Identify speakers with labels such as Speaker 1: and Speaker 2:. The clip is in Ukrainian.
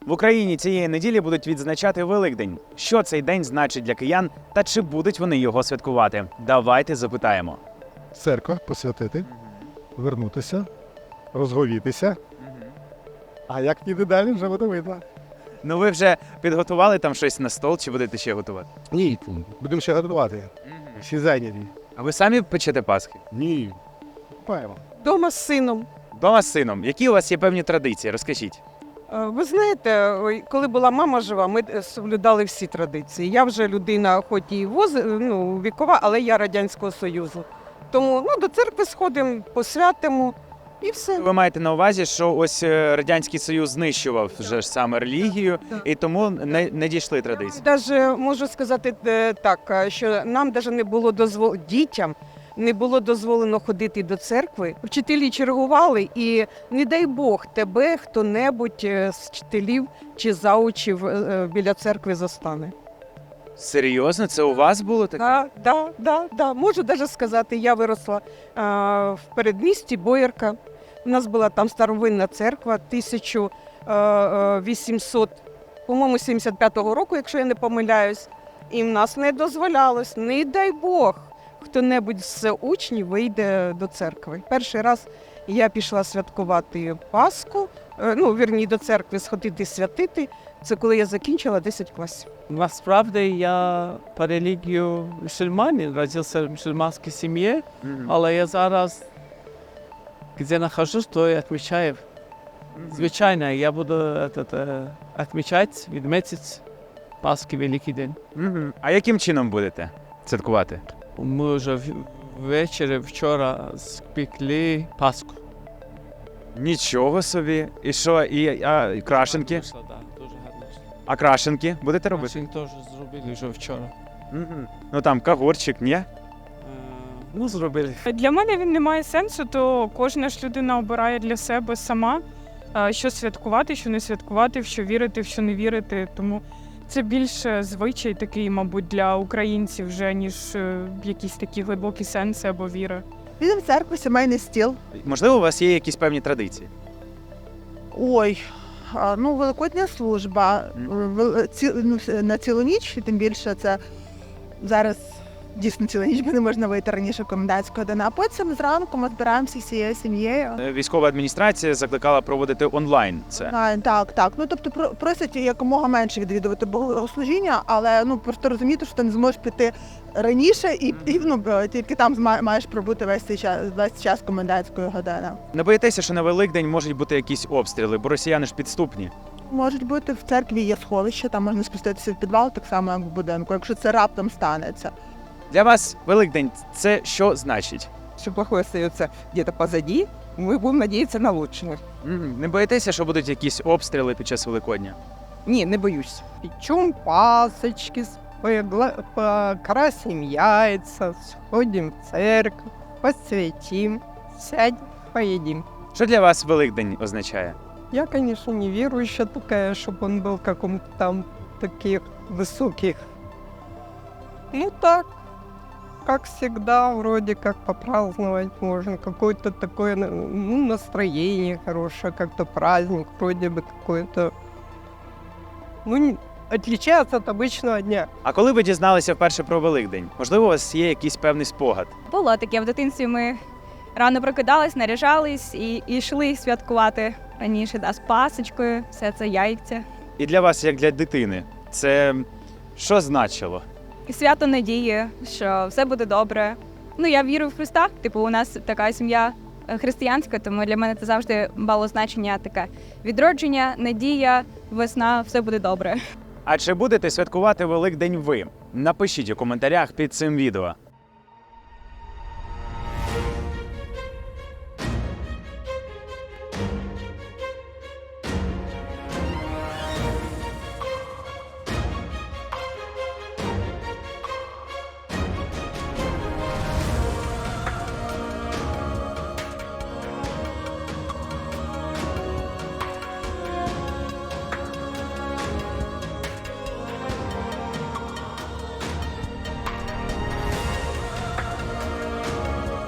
Speaker 1: В Україні цієї неділі будуть відзначати Великдень. Що цей день значить для киян та чи будуть вони його святкувати? Давайте запитаємо.
Speaker 2: Церква посвятити, вернутися, розговітися. А як ніде далі, вже буде видно.
Speaker 1: Ну ви вже підготували там щось на стол чи будете ще готувати?
Speaker 2: Ні, будемо ще готувати. Всі зайняті.
Speaker 1: А ви самі печете пасхи?
Speaker 2: Ні. Купаємо.
Speaker 3: Дома з сином.
Speaker 1: Дома з сином. Які у вас є певні традиції? Розкажіть.
Speaker 3: Ви знаєте, коли була мама жива, ми соблюдали всі традиції. Я вже людина, хоч і вікова, але я Радянського Союзу. Тому до церкви сходимо, посвятимо і все.
Speaker 1: Ви маєте на увазі, що ось Радянський Союз знищував вже ж саме релігію, і тому не дійшли традиції.
Speaker 3: Даже можу сказати так, що нам навіть не було дітям не було дозволено ходити до церкви. Вчителі чергували, і не дай Бог тебе хто-небудь з вчителів чи заучів біля церкви застане.
Speaker 1: Серйозно? Це у вас було таке?
Speaker 3: Да. Можу навіть сказати, я виросла в передмісті Боярка. У нас була там старовинна церква 1800, по-моєму, 75-го року, якщо я не помиляюсь. І в нас не дозволялось, не дай Бог, хто-небудь з учнів вийде до церкви. Перший раз я пішла святкувати Пасху, до церкви сходити святити. Це коли я закінчила 10 класів.
Speaker 4: Насправді я по релігію мусульманин, родився в мусульманській сім'ї, але я зараз, де знаходжусь, то я відмічаю. Звичайно, я буду відмічати Пасхи, Великий день.
Speaker 1: А яким чином будете святкувати?
Speaker 4: Ми вже ввечері вчора спекли Пасху.
Speaker 1: Нічого собі. І що, і крашенки?
Speaker 4: Так, дуже гарно.
Speaker 1: А крашенки будете робити?
Speaker 4: Крашенки теж зробили вже вчора.
Speaker 1: Ну там кагорчик, ні?
Speaker 4: Зробили.
Speaker 5: Для мене він не має сенсу, то кожна ж людина обирає для себе сама, що святкувати, що не святкувати, в що вірити, в що не вірити. Тому це більше звичай такий, мабуть, для українців вже, ніж якісь такі глибокі сенси або віри.
Speaker 6: Підемо в церкву, сімейний стіл.
Speaker 1: Можливо, у вас є якісь певні традиції?
Speaker 6: Великодня служба на цілу ніч, і тим більше це зараз дійсно ціла ніч, бо не можна вийти раніше комендантської години. А потім зранку ми збираємося всією сім'єю.
Speaker 1: Військова адміністрація закликала проводити онлайн це.
Speaker 6: Так. Тобто просять якомога менше відвідувати богослужіння, але просто розуміти, що ти не зможеш піти раніше і тільки там маєш пробути весь час комендантської години.
Speaker 1: Не боїтеся, що на Великдень можуть бути якісь обстріли, бо росіяни ж підступні?
Speaker 6: Можуть бути, в церкві є сховище, там можна спуститися в підвал, так само як в будинку, якщо це раптом станеться.
Speaker 1: Для вас Великдень – це що значить?
Speaker 7: Все плохое остается где-то позади, мы будем надеяться на лучшее.
Speaker 1: Не боїтеся, що будуть якісь обстріли під час Великодня?
Speaker 7: Не, не боюсь.
Speaker 3: Печем пасочки, покрасим яйца, сходим в церковь, посвятим, сядем, поедим.
Speaker 1: Що для вас Великдень означає?
Speaker 3: Я, конечно, не верующая такая, чтобы он был каком-то там таких высоких. Так, как всегда, вроде как попраздновать можно. Какое-то такое настроение хорошее, как-то праздник вроде бы какой-то. Отличается от обычного дня.
Speaker 1: А коли ви дізналися вперше про Великдень? Можливо, у вас є якийсь певний спогад?
Speaker 8: Було таке. В дитинстві ми рано прокидались, наряжались і йшли святкувати раніше, з пасочкою, все це яйця.
Speaker 1: І для вас, як для дитини, це що значило?
Speaker 8: І свято надії, що все буде добре. Я вірю в Христа, у нас така сім'я християнська, тому для мене це завжди мало значення таке. Відродження, надія, весна, все буде добре.
Speaker 1: А чи будете святкувати Великдень ви? Напишіть у коментарях під цим відео.